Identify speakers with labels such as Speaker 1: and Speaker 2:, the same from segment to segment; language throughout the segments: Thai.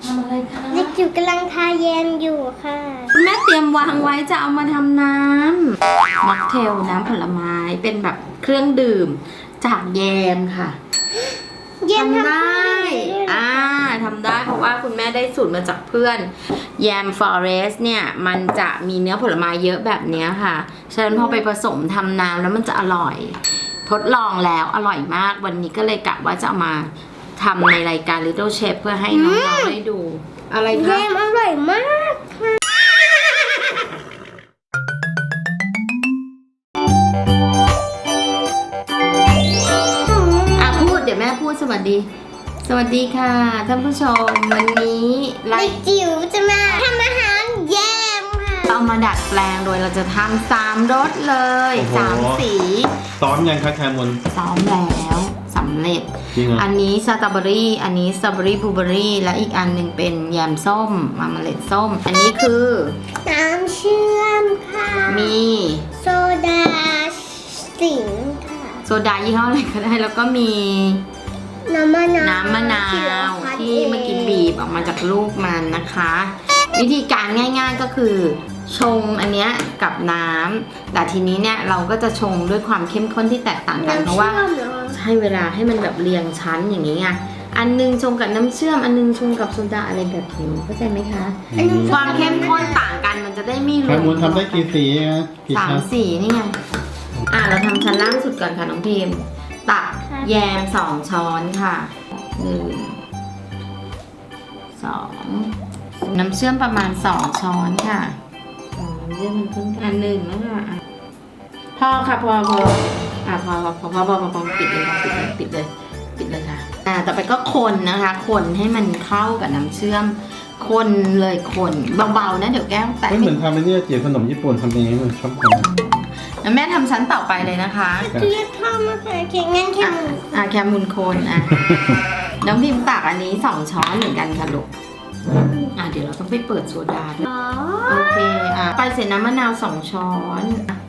Speaker 1: ทำอะไรคะ
Speaker 2: เด็กจิ๋วกำลังทาแยมอยู่ค่ะ
Speaker 1: คุณแม่เตรียมวางไว้จะเอามาทำน้ำม็อกเทลน้ำผลไม้เป็นแบบเครื่องดื่มจากแยมค่ะทำได้ทำได้เพราะว่าคุณแม่ได้สูตรมาจากเพื่อนแยมฟอเรสเนี่ยมันจะมีเนื้อผลไม้เยอะแบบนี้ค่ะฉะนั้นพอไปผสมทำน้ำแล้วมันจะอร่อยทดลองแล้วอร่อยมากวันนี้ก็เลยกะว่าจะเอามาทำในรายการ Little Chef เพื่อให้น้องๆได้ดูอะไรคะ
Speaker 2: แยมอร่อยมากค่ะ
Speaker 1: พูดเดี๋ยวแม่พูดสวัสดีค่ะท่านผู้ชมวันนี้
Speaker 2: เด็กจิ๋วจะมาทำอาหารแยมค่ะ
Speaker 1: เรามาดัดแปลงโดยเราจะทำ3 รสเลย3 สี
Speaker 3: ซ้อมยังคะแคมุน
Speaker 1: ซ้อมแล้วสำเร็จอันนี้สตรอเบอรี่อันนี้สตรอเบอรี่บลูเบอรี่และอีกอันหนึ่งเป็นแยมส้มมาเมล็ดส้มอันนี้คือ
Speaker 2: น้ำเชื่อมค่ะ
Speaker 1: มี
Speaker 2: โซดาสิงค่ะ
Speaker 1: โซดายี่ห้ออะไรก็ได้แล้วก็มี
Speaker 2: น้ำมะนาว
Speaker 1: ที่เมื่อกี้บีบออกมาจากลูกมันนะคะวิธีการง่ายๆก็คือชงอันเนี้ยกับน้ำแต่ทีนี้เนี่ยเราก็จะชงด้วยความเข้มข้นที่แตกต่างกันเพราะว่าให้เวลาให้มันแบบเรียงชั้นอย่างนี้ไงอันนึงชงกับน้ำเชื่อมอันนึงชงกับโซดาอะไรแบบนี้เข้าใจไหมคะความเข้มข้นต่างกันมันจะได้ไม่รวม
Speaker 3: แคมุนทำได้กี่สีนะ
Speaker 1: 3 สีนี่ไงเราทำชั้นล่างสุดก่อนค่ะน้องพิมตักแยม2 ช้อนค่ะ1 2น้ำเชื่อมประมาณ2 ช้อนค่ะน้ำเชื่อมมันเพิ่ง1แล้วค่ะพอค่ะพอพอปิดเลยค่ะปิดเลยค่ะต่อไปก็คนนะคะคนให้มันเข้ากับน้ำเชื่อมคนเลยคนเบาๆนะเดี๋ยวแก้วแตก
Speaker 3: เหมือนทำไอ้นี่เจี๋ยวขนมญี่ปุ่นทำยังไงเหมือนชอบทำ
Speaker 1: แล้วแม่ทำชั้นต่อไปเลยนะคะ
Speaker 2: เรียกข้าวมาใส่เค้กงั้น
Speaker 1: แคมุนโคนน้องพิมตักอันนี้2 ช้อนเหมือนกันค่ะลูกเดี๋ยวเราต้องไปเปิดโซดาด้วยโอเคไปเสร็จน้ำมะนาว2 ช้อน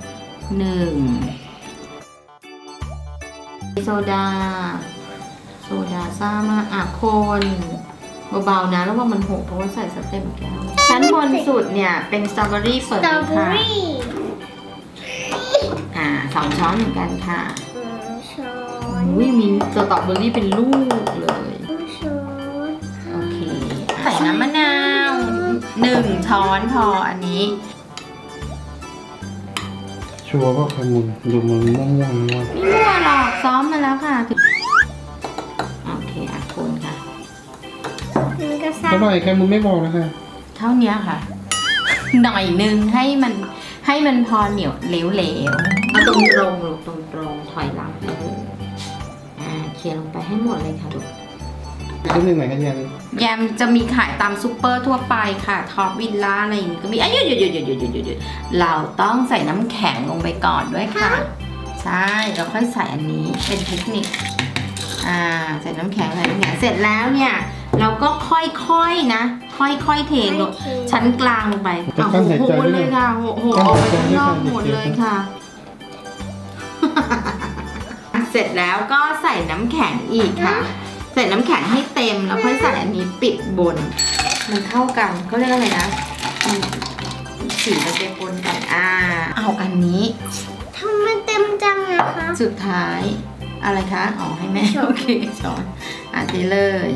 Speaker 1: 1โซดาซ่ามากคนเบาๆนะแล้วว่ามันหกเพราะว่าใส่สเต็มแก้วชั้นบนสุดเนี่ยเป็นสตรอเบอรี่เปิดเลยค่ะ2 ช้อนเหมือนกันค่ะ
Speaker 2: ช้อน
Speaker 1: มีสตรอเบอรี่เป็นลูกเลยโอเคใส่น้ำมะนาว1 ช้อนพออันนี้
Speaker 3: ชัวร์ว่าแคมุนดูมันม่วง
Speaker 1: ไม่มั่วหรอกซ้อมมาแล้วค่ะโอเคคนค่ะ
Speaker 3: เท่าไหร่แคมุนไม่บอกนะคะ
Speaker 1: เท่านี้ค่ะหน่อยนึงให้มันพอเหนียวเหลวเอาตรงลูกตรงถอยหลังไปเลยเคี่ยวลงไปให้หมดเลยค่ะลูก
Speaker 3: นิดนึงไหนกัน
Speaker 1: แยมจะมีขายตามซูเปอร์ทั่วไปค่ะท็อปวิลล่าอะไรอย่างนี้ก็มีหยุดเราต้องใส่น้ำแข็งลงไปก่อนด้วยค่ะใช่เราค่อยใส่อันนี้เป็นเทคนิคใส่น้ำแข็งเสร็จแล้วเนี่ยเราก็ค่อยๆนะค่อยๆเทลงชั้นกลางลงไปโหเลยค่ะโหออกไปข้างนอกหมดเลยค่ะเสร็จแล้วก็ใส่น้ำแข็งอีกค่ะใส่น้ำแข็งให้เต็มแล้วค่อยใส่อันนี้ปิดบนมันเข้ากันเขาเรียกอะไรนะสีมันจะปนกันเอาอันนี้
Speaker 2: ทำมันเต็มจังนะคะ
Speaker 1: สุดท้ายอะไรคะให้แม่โอเคช้อนเทเลย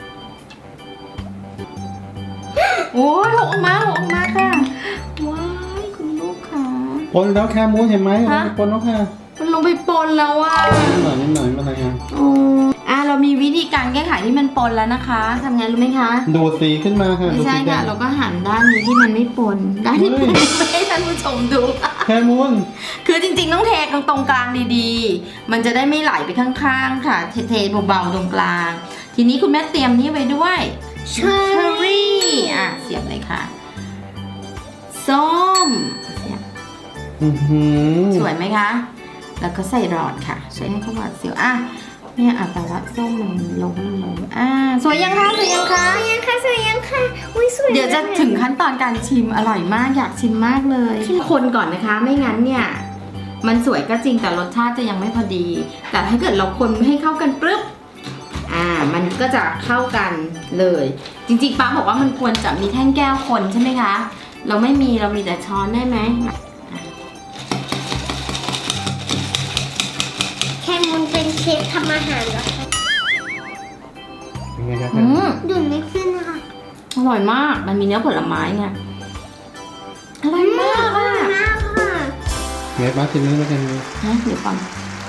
Speaker 1: โอ้ยหกออกมาค่ะว้ายคุณลูกค่ะ
Speaker 3: ปนแล้วแคมุนเห็นไหมปนแล้วค่ะ
Speaker 1: มันลงไปปนแล้ว
Speaker 3: นิดหน่อยมาอะไรกัน
Speaker 1: เรามีวิธีการแก้ไขที่มันปนแล้วนะคะทำไงรู้ไหมคะ
Speaker 3: ดูสีขึ้นมาค่ะ
Speaker 1: ไม่ใช่ค่ะเราก็หันด้านนี้ที่มันไม่ปนด้านที่ปนไม่ให้ท่านผู้ชมดู
Speaker 3: แคมุน
Speaker 1: คือจริงๆต้องเทตรงกลางดีๆมันจะได้ไม่ไหลไปข้างๆค่ะเทเบาๆตรงกลางทีนี้คุณแม่เตรียมนี่ไว้ด้วยเชอร์รี่เสียบเลยค่ะส้มเสียบสวยไหมคะแล้วก็ใส่หลอดค่ะใช้ให้เขาหวานเสียวเนี่ยแต่ว่าส้มมันลงสวยยังคะ
Speaker 2: สวยยังค่ะอุ้ยสวย
Speaker 1: เดี๋ยวจะถึงขั้นตอนการชิมอร่อยมากอยากชิมมากเลยคนก่อนนะคะไม่งั้นเนี่ยมันสวยก็จริงแต่รสชาติจะยังไม่พอดีแต่ถ้าเกิดเราคนให้เข้ากันปึ๊บมันก็จะเข้ากันเลย จริงๆป้าบอกว่ามันควรจะมีแท่งแก้วคนใช่ไหมคะ เราไม่มีเรามีแต่ช้อนได้ไหม
Speaker 2: แค่มุนเป็นเชฟทำอาหารเหรอคะ
Speaker 3: เป็นไงครับ
Speaker 2: ดูดไม่ขึ้นนะคะ
Speaker 1: อร่อยมาก มันมีเนื้อผลไม้ไงอร่อยมากอ่ะ
Speaker 2: มากค่ะ
Speaker 3: เนื้อปลาชิ้นนี้แล้วกัน
Speaker 1: ฮะเดี๋ยวก่อน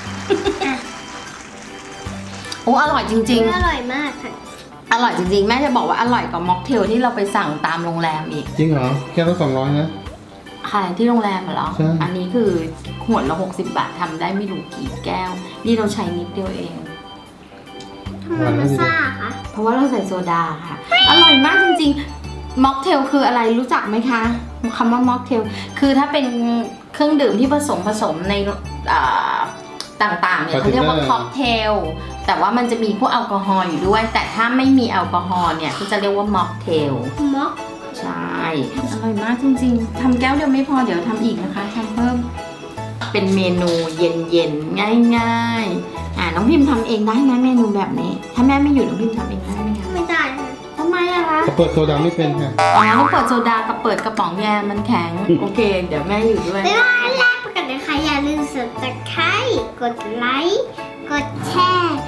Speaker 1: โอ้อร่อยจริง
Speaker 2: อร่อยมากค่ะ
Speaker 1: ๆ อร่อยจริงๆ แม่จะบอกว่าอร่อยกว่าม็อกเทลที่เราไปสั่งตามโรงแรมอีก
Speaker 3: จริงเหรอแค่ละ200นะ
Speaker 1: ค่ะที่โรงแรมเหรอ
Speaker 3: ใช่
Speaker 1: อันนี้คือขวดละ60 บาททำได้ไม่รู้กี่แก้ว นี่เราใช้นิดเดียวเอง
Speaker 2: ทำไมมันซ่าคะ
Speaker 1: เพราะว่าเราใส่โซดาค่ะ อร่อยมากจริงๆ ม็อกเทลคืออะไรรู้จักไหมคะคำว่าม็อกเทลคือถ้าเป็นเครื่องดื่มที่ผสมในต่างๆเนี่ยเขาเรียกว่าค็อกเทล แต่ว่ามันจะมีพวกแอลกอฮอล์อยู่ด้วย แต่ถ้าไม่มีแอลกอฮอล์เนี่ยก็จะเรียกว่าม็อกเทล
Speaker 2: ม็อก
Speaker 1: ใช่ อร่อยมากจริงๆ ทำแก้วเดียวไม่พอเดี๋ยวทำอีกนะคะทำเพิ่ม เป็นเมนูเย็นๆ ง่ายๆ น้องพิมพ์ทำเองได้ไหมเมนูแบบนี้ ถ้าแม่ไม่อยู่น้องพิมพ์ทำเองได้ไหมคะ
Speaker 2: ไม่ได้ค่ะ
Speaker 1: ทำไมอะคะ
Speaker 3: เขาเปิดโซดาไม่เป็นค่ะ
Speaker 1: ต้องเปิดโซดากับเปิดกระป๋องแยมมันแข็ง โอเค เดี๋ยวแม่อยู่ด้วย
Speaker 2: บ๊ายบายแรกไปกันนะคะอย่าลืมสับตะไคร้กดไลค์ กดแชร์